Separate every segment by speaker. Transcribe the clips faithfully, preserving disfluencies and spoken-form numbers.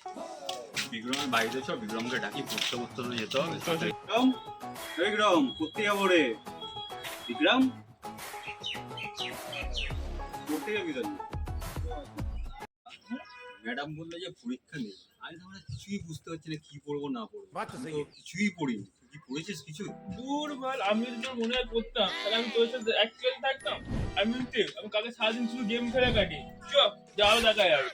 Speaker 1: বিক্রমের বাড়িতে চ, বিক্রমকে ডাকি পড়তে পড়তে যেতে হবে।
Speaker 2: বিক্রম, এই বিক্রম পড়তে যাবো রে। বিক্রম পড়তে যাবি তো?
Speaker 1: ম্যাডাম বললো যে পরীক্ষা নেই। আমি তো কিছুই বুঝতে পারছি না কি পড়বো না পড়বো, আমি তো কিছুই পড়িনি। তুই কি পড়েছিস কিছু?
Speaker 3: দূর বল, আমি যদি তোর মনে হয় পড়তাম তাহলে আমি তোর সাথে এক ক্লাসে থাকতাম। আমি বলতে আমি কালকে সারাদিন শুধু গেম খেলে কাটি। চ যাও দেখা যাবে।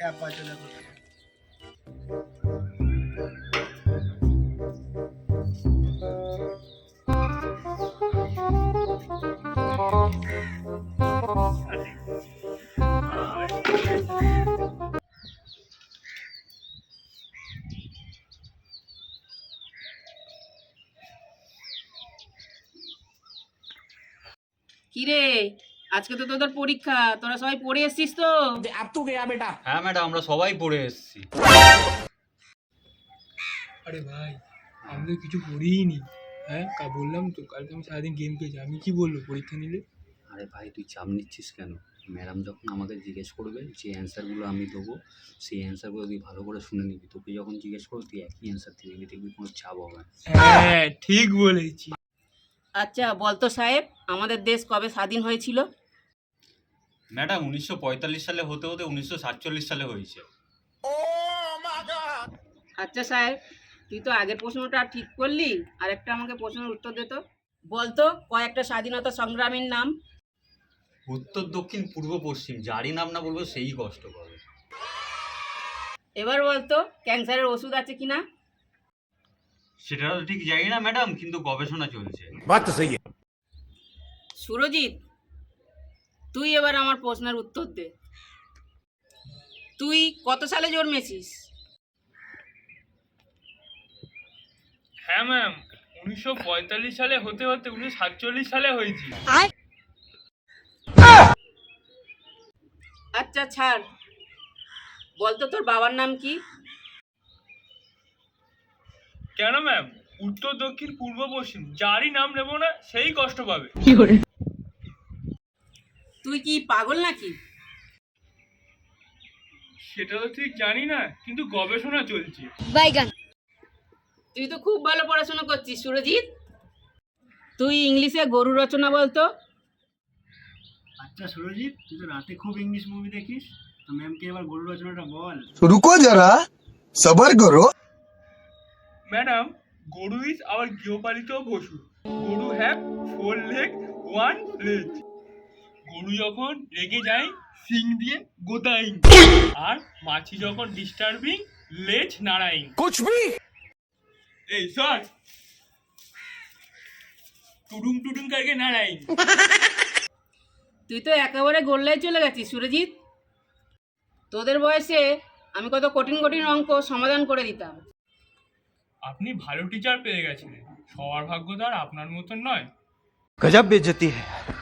Speaker 4: কিরে, আজকে তো তোদের পরীক্ষা, তোরা সবাই পড়ে এসছিস তো?
Speaker 1: হ্যাঁ ম্যাডাম, আমরা সবাই পড়ে এসেছি।
Speaker 3: আরে ভাই, আমি তো কিছু পড়িনি। হ্যাঁ, কা বললাম তো কালকে আমি সারাদিন গেম খেয়েছি। আমি কি বললো পরীক্ষা নিলে?
Speaker 1: আরে ভাই, তুই চাপ নিচ্ছিস কেন? ম্যাডাম যখন আমাকে জিজ্ঞেস করবে যে অ্যান্সারগুলো আমি দেবো, সেই অ্যান্সারগুলো তুই ভালো করে শুনে নিবি। তোকে যখন জিজ্ঞেস করবো তুই একই অ্যান্সার দিয়ে দিবি, দেখবি কোনো চাপ হবে না।
Speaker 3: হ্যাঁ ঠিক বলেছি।
Speaker 4: আচ্ছা বলতো সাহেব, আমাদের দেশ কবে স্বাধীন হয়েছিল?
Speaker 1: ম্যাডাম, উনিশশো পঁয়তাল্লিশ সালে হতে হতে উনিশশো সাতচল্লিশ সালে হয়েছে।
Speaker 4: আচ্ছা সাহেব, তুই তো আগের প্রশ্নটা ঠিক করলি, আর একটা আমাকে প্রশ্নের উত্তর দে তো। বলতো কয়েকটা স্বাধীনতা সংগ্রামীর নাম।
Speaker 1: উত্তর, দক্ষিণ, পূর্ব, পশ্চিম, যারই নাম না বলবো সেই কষ্ট পাবে।
Speaker 4: এবার বলতো ক্যান্সারের ওষুধ আছে কিনা?
Speaker 1: সেটা তো ঠিক জানি না ম্যাডাম, কিন্তু গবেষণা চলছে।
Speaker 4: সুরজিৎ, তুই এবার আমার প্রশ্নের উত্তর দে। তুই কত সালে জন্মেছিস?
Speaker 3: হ্যাঁ ম্যাম, উনিশশো পঁয়তাল্লিশ সালে হতে হতে উনিশশো সাতচল্লিশ সালে হয়েছি।
Speaker 4: আচ্ছা ছাড়, বলতো তোর বাবার নাম কি?
Speaker 3: কেন ম্যাম? উত্তর, দক্ষিণ, পূর্ব, পশ্চিম, যারই নাম নেব না সেই কষ্ট পাবে।
Speaker 4: তুই কি পাগল নাকি?
Speaker 3: সেটা তো ঠিক জানি না, কিন্তু গবেষণা চলছে।
Speaker 4: তুই তো খুব ভালো পড়াশোনা করছিস সুরজিৎ। তুই ইংলিশে গরু রচনা বলতো।
Speaker 2: আচ্ছা সুরজিৎ, তুই তো রাতে খুব ইংলিশ মুভি দেখিস, তো ম্যামকে এবার গরু রচনাটা বল।
Speaker 5: रुको जरा सबर करो।
Speaker 3: ম্যাডাম, গরু ইজ আওয়ার গৃহপালিত পশু। Goru have four leg, one leg. গরু যখন রেগে যায় সিং দিয়ে গোদাইং, আর মাছি যখন ডিস্টার্বিং লেজ নাড়াইং।
Speaker 5: कुछ भी
Speaker 3: এই সর, টুডুং টুডুং করকে নাড়াইং।
Speaker 4: তুই তো একেবারে গোল্লায় চলে গেছিস সুরজিৎ। তোদের বয়সে আমি কত কঠিন কঠিন অঙ্ক সমাধান করে দিতাম।
Speaker 3: আপনি ভালো টিচার পেয়ে গেছিলেন, সবার ভাগ্য তো আর আপনার মতন নয়।
Speaker 5: गजब बेइज्जती है।